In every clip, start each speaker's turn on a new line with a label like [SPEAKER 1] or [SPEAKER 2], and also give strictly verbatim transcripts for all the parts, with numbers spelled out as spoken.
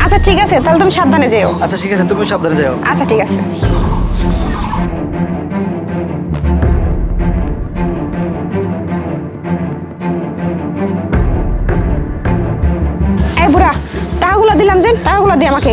[SPEAKER 1] আচ্ছা ঠিক আছে, তাহলে তুমি সাবধানে যেও।
[SPEAKER 2] আচ্ছা ঠিক আছে, তুমি সাবধানে যাও।
[SPEAKER 1] আচ্ছা ঠিক আছে। এই বুড়া, টাকাগুলো দিলাম যে, টাকাগুলো দিয়ে আমাকে।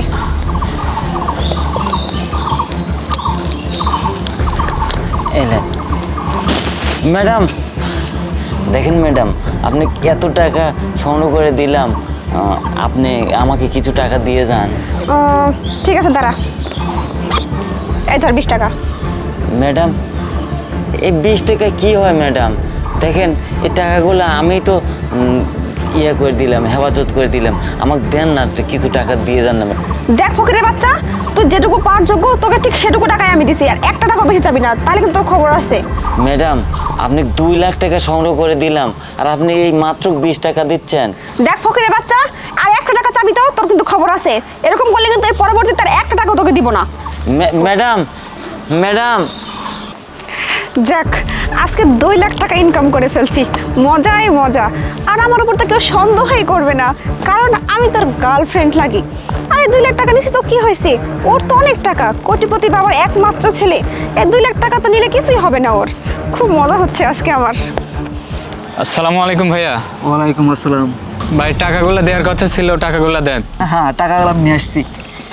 [SPEAKER 3] ম্যাডাম দেখেন ম্যাডাম, আপনি এত টাকা সংগ্রহ করে দিলাম, আপনি আমাকে কিছু টাকা দিয়ে যান।
[SPEAKER 1] ঠিক আছে দাঁড়া, এই ধর বিশ টাকা।
[SPEAKER 3] ম্যাডাম এই বিশ টাকা কি হয় ম্যাডাম? দেখেন এই টাকাগুলো আমি তো ইয়ে করে দিলাম, হেফাজত করে দিলাম, আমাকে দেন না, কিছু টাকা দিয়ে যান না।
[SPEAKER 1] দেখ ফকিরের বাচ্চা, তুই যেটুকু পাওয়ার যোগ্য তোকে ঠিক সেটুকু টাকাই আমি দিছি, আর একটা টাকা বেশি চাবি না, তাহলে কিন্তু তোর খবর আছে।
[SPEAKER 3] ম্যাডাম আপনি দুই লাখ টাকা সংগ্রহ করে দিলাম, আর আপনি এই মাত্র বিশ টাকা দিচ্ছেন।
[SPEAKER 1] দেখ ফকিরের বাচ্চা, আর একটা টাকা চাবি তো তোর কিন্তু খবর আছে, এরকম করলে কিন্তু এই পরবর্তীতে আর একটা টাকা তোকে দিব না।
[SPEAKER 3] ম্যাডাম ম্যাডাম
[SPEAKER 1] যাক, আজকে দুই লাখ টাকা ইনকাম করে ফেলছি, মজাই মজা। আর আমার উপর তো কেউ সন্দেহই করবে না, কারণ আমি তোর গার্লফ্রেন্ড লাগি। আরে দুই লাখ টাকা নিছি তো কি হয়েছে, ওর তো অনেক টাকা, কোটিপতি বাবার একমাত্র ছেলে, এই দুই লাখ টাকা তো নিলে কিছুই হবে না ওর। খুব মজা হচ্ছে আজকে আমার।
[SPEAKER 4] আসসালামু আলাইকুম ভাইয়া।
[SPEAKER 2] ওয়ালাইকুম আসসালাম।
[SPEAKER 4] ভাই টাকাগুলো দেওয়ার কথা ছিল, টাকাগুলো দেন।
[SPEAKER 2] হ্যাঁ, টাকাগুলো আমি নিয়ে আসছি।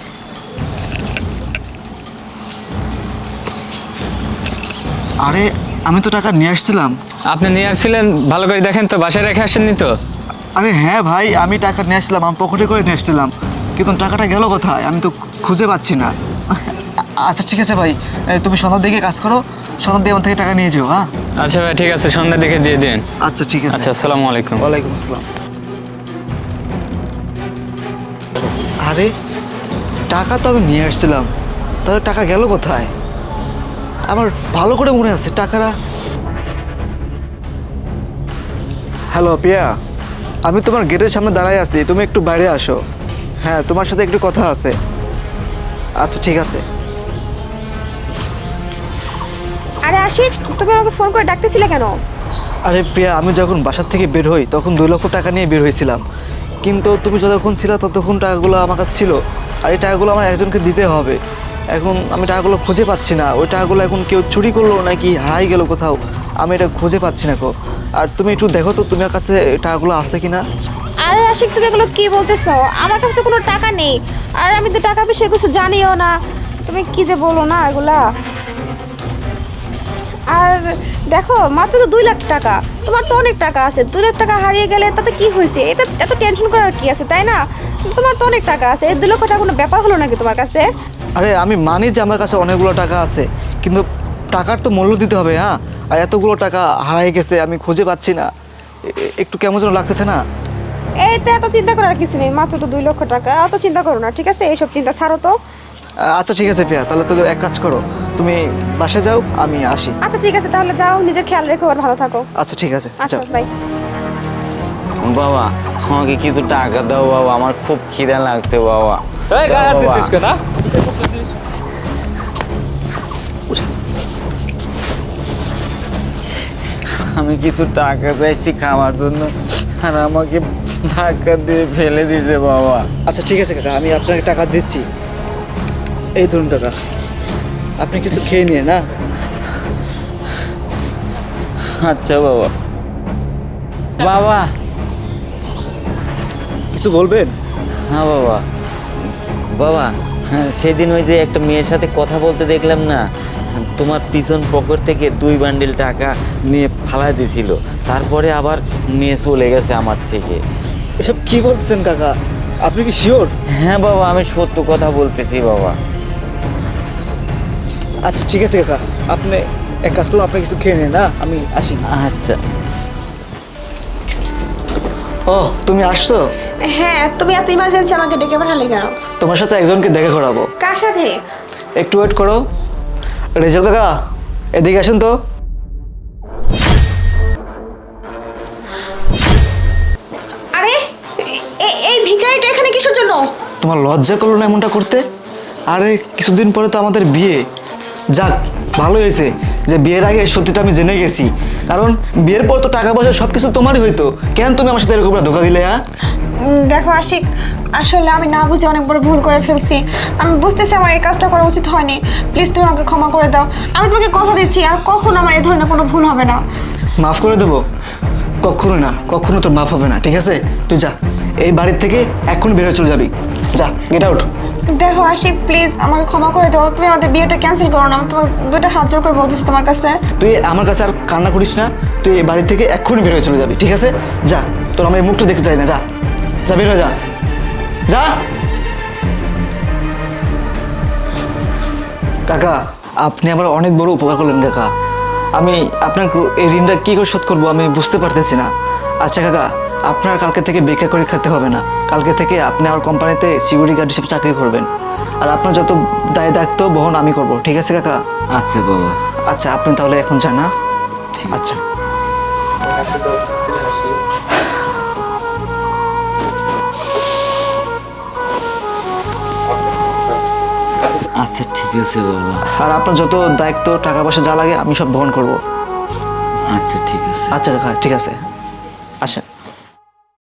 [SPEAKER 2] আরে আমি তো টাকা নিয়ে আসছিলাম।
[SPEAKER 4] আপনি নিয়ে আসছিলেন, ভালো করে দেখেন তো, বাসায় রেখে আসেননি তো?
[SPEAKER 2] আরে হ্যাঁ ভাই, আমি টাকা নিয়ে আসছিলাম, আমি পকেটে করে নিয়ে আসছিলাম, কিন্তু টাকাটা গেল কোথায় আমি তো খুঁজে পাচ্ছি না। আচ্ছা ঠিক আছে ভাই, তুমি সন্ধ্যার দিকে কাজ করো, সন্ধ্যার দিকে আমার থেকে টাকা নিয়ে যাও। হ্যাঁ
[SPEAKER 4] আচ্ছা ভাই ঠিক আছে, সন্ধ্যার দিকে দিয়ে দিন।
[SPEAKER 2] আচ্ছা ঠিক আছে।
[SPEAKER 4] আচ্ছা আসসালামু আলাইকুম।
[SPEAKER 2] ওয়ালাইকুম আসসালাম। আরে টাকা তো আমি নিয়ে আসছিলাম, তাহলে টাকা গেল কোথায়? আমার ভালো করে মনে আছে টাকাটা। হ্যালো পিয়া, আমি তোমার গেটের সামনে দাঁড়াই আছি, তুমি একটু বাইরে আসো। হ্যাঁ, তোমার সাথে একটু কথা আছে। আচ্ছা ঠিক আছে।
[SPEAKER 1] আরে আশিক, তুমি আমাকে ফোন করে ডাকতেছিলে কেন?
[SPEAKER 2] আরে প্রিয়া, আমি যখন বাসার থেকে বের হই তখন দুই লক্ষ টাকা নিয়ে বের হয়েছিলাম, কিন্তু তুমি যতক্ষণ ছিল ততক্ষণ টাকাগুলো আমার কাছে ছিল, আর এই টাকাগুলো আমার একজনকে দিতে হবে। এখন আমি টাকাগুলো খুঁজে পাচ্ছি না, ওই টাকাগুলো এখন কেউ চুরি করলো নাকি হারাই গেল কোথাও, আমি এটা খুঁজে পাচ্ছি না। কো আর তুমি একটু দেখো তো তোমার কাছে টাকাগুলো আছে কিনা।
[SPEAKER 1] আরে আশিক, তুমি এগুলো কি বলতেছো? আমার কাছে তো কোনো টাকা নেই, আর আমি তো টাকা বিষয়ে কিছু জানিও না। তুমি কি যে বলো না এগুলা। আর দেখো, মাত্র তো দুই লাখ টাকা, তোমার তো অনেক টাকা আছে, দুই লাখ টাকা হারিয়ে গেলে তাতে কি হয়েছে? এটা এত টেনশন করার কি আছে, তাই না? তোমার তো অনেক টাকা আছে, এই দুই লক্ষ টাকা কোনো ব্যাপার হলো নাকি তোমার কাছে?
[SPEAKER 2] আরে আমি মানি যে আমার কাছে অনেকগুলো টাকা আছে, কিন্তু টাকার তো মূল্য দিতে হবে। হ্যাঁ, আর এতগুলো টাকা হারাই গেছে, আমি খুঁজে পাচ্ছি না, একটু কেমন যেন লাগতেছে না?
[SPEAKER 1] এইতে এত চিন্তা করার কিছু নেই, মাত্র তো দুই লক্ষ টাকা, অত চিন্তা করো না, ঠিক আছে? এইসব চিন্তা ছাড়ো তো।
[SPEAKER 2] আচ্ছা ঠিক আছে প্রিয়া, তাহলে তো এক কাজ করো, তুমি বাসায় যাও, আমি আসি।
[SPEAKER 1] আচ্ছা ঠিক আছে, তাহলে যাও, নিজের খেয়াল রেখো আর ভালো থাকো।
[SPEAKER 2] আচ্ছা ঠিক আছে।
[SPEAKER 1] আচ্ছা বাই।
[SPEAKER 3] বাবা আমাকে কিছু টাকা দাও বাবা, আমার খুব খিদা লাগছে বাবা।
[SPEAKER 5] এই গায়ে হাত দিছিস কেন?
[SPEAKER 3] আমি কিছু টাকা চাইছি খাওয়ার জন্য, আর আমাকে ধাক্কা দিয়ে ফেলে দিয়েছে বাবা।
[SPEAKER 2] আচ্ছা ঠিক আছে কাকা, আমি আপনাকে টাকা দিচ্ছি, এই ধরুন টাকা, আপনি কিছু খেয়ে নিয়ে না।
[SPEAKER 3] আচ্ছা বাবা। বাবা
[SPEAKER 2] কিছু বলবেন?
[SPEAKER 3] হ্যাঁ বাবা। বাবা হ্যাঁ, সেদিন ওই যে একটা মেয়ের সাথে কথা বলতে দেখলাম না, তোমার পিছন পকেট থেকে দুই বান্ডিল টাকা নিয়ে ফালাই দিয়েছিল, তারপরে আবার নিয়ে চলে গেছে আমার থেকে।
[SPEAKER 2] এসব কি বলছেন কাকা, আপনি কি শিওর?
[SPEAKER 3] হ্যাঁ বাবা, আমি সত্য কথা বলতেছি বাবা।
[SPEAKER 2] আচ্ছা ঠিক আছে কাকা, আপনি এক কাজ করুন, আপনি কিছু খেয়ে নিন না, আমি আসি।
[SPEAKER 3] আচ্ছা।
[SPEAKER 2] ও তুমি আসছো?
[SPEAKER 1] হ্যাঁ, তুমি এত ইমার্জেন্সি আমাকে ডেকে পাঠালে কেন?
[SPEAKER 2] তোমার সাথে একজনকে দেখা করাবো।
[SPEAKER 1] কার সাথে?
[SPEAKER 2] একটু ওয়েট করো। রেজাল কাকা, এদিকে আসেন তো।
[SPEAKER 1] আরে এই ভিখারিটা এখানে কিসের জন্য?
[SPEAKER 2] তোমার লজ্জা করলো না এমনটা করতে? আরে কিছুদিন পরে তো আমাদের বিয়ে। যাক ভালো হয়েছে, যে বিয়ের আগে সত্যিটা আমি জেনে গেছি, কারণ বিয়ের পর তো টাকা পয়সা সব কিছু তোমারই হইতো, কেন তুমি আমার সাথে এরকম করে ধোকা দিলে? হ্যাঁ
[SPEAKER 1] উম, দেখো আশিক, আসলে আমি না বুঝে অনেক বড় ভুল করে ফেলছি। আমি বুঝতেছি আমার এই কাজটা করা উচিত হয়নি। প্লিজ তুমি আমাকে ক্ষমা করে দাও। আমি তোমাকে কথা দিচ্ছি আর কখনো আমার এই ধরনের কোনো ভুল হবে না।
[SPEAKER 2] মাফ করে দেবো? কখনো না, কখনো তোর মাফ হবে না, ঠিক আছে? তুই যা, এই বাড়ির থেকে এক্ষুনি বের হয়ে চলে যাবি, যা, গেট আউট।
[SPEAKER 1] দেখো আশিক, প্লিজ আমাকে ক্ষমা করে দাও। তুমি আমাদের বিয়েটা ক্যান্সেল করো না। আমি তোমার দুইটা হাত জোর করে বলতেছি তোমার কাছে।
[SPEAKER 2] তুই আমার কাছে আর কান্না করিস না, তুই এই বাড়ি থেকে এক্ষুনি বের হয়ে চলে যাবি, ঠিক আছে? যা, তোর আমার এই মুখটা দেখতে চাই না, যা যা, বের হয়ে যা, যা। কাকা, আপনি আমার অনেক বড় উপকার করলেন কাকা। আমি আপনার এই ঋণটা কী করে শোধ করবো আমি বুঝতে পারতেছি না। আচ্ছা কাকা, আপনার কালকে থেকে বেকার করে খেতে হবে না। কালকে থেকে আপনি আমার কোম্পানিতে সিকিউরিটি গার্ড হিসেবে চাকরি করবেন, আর আপনার যত দায় দায়িত্ব বহন আমি করব, ঠিক আছে কাকা?
[SPEAKER 3] আচ্ছা বাবা।
[SPEAKER 2] আচ্ছা, আপনি তাহলে এখন যান না? আচ্ছা।
[SPEAKER 3] আচ্ছা ঠিক আছে বাবা।
[SPEAKER 2] আর আপনার যত দায়িত্ব টাকা পয়সা যা লাগে আমি সব বহন করব।
[SPEAKER 3] আচ্ছা ঠিক আছে।
[SPEAKER 2] আচ্ছা কাকা, ঠিক আছে, আচ্ছা।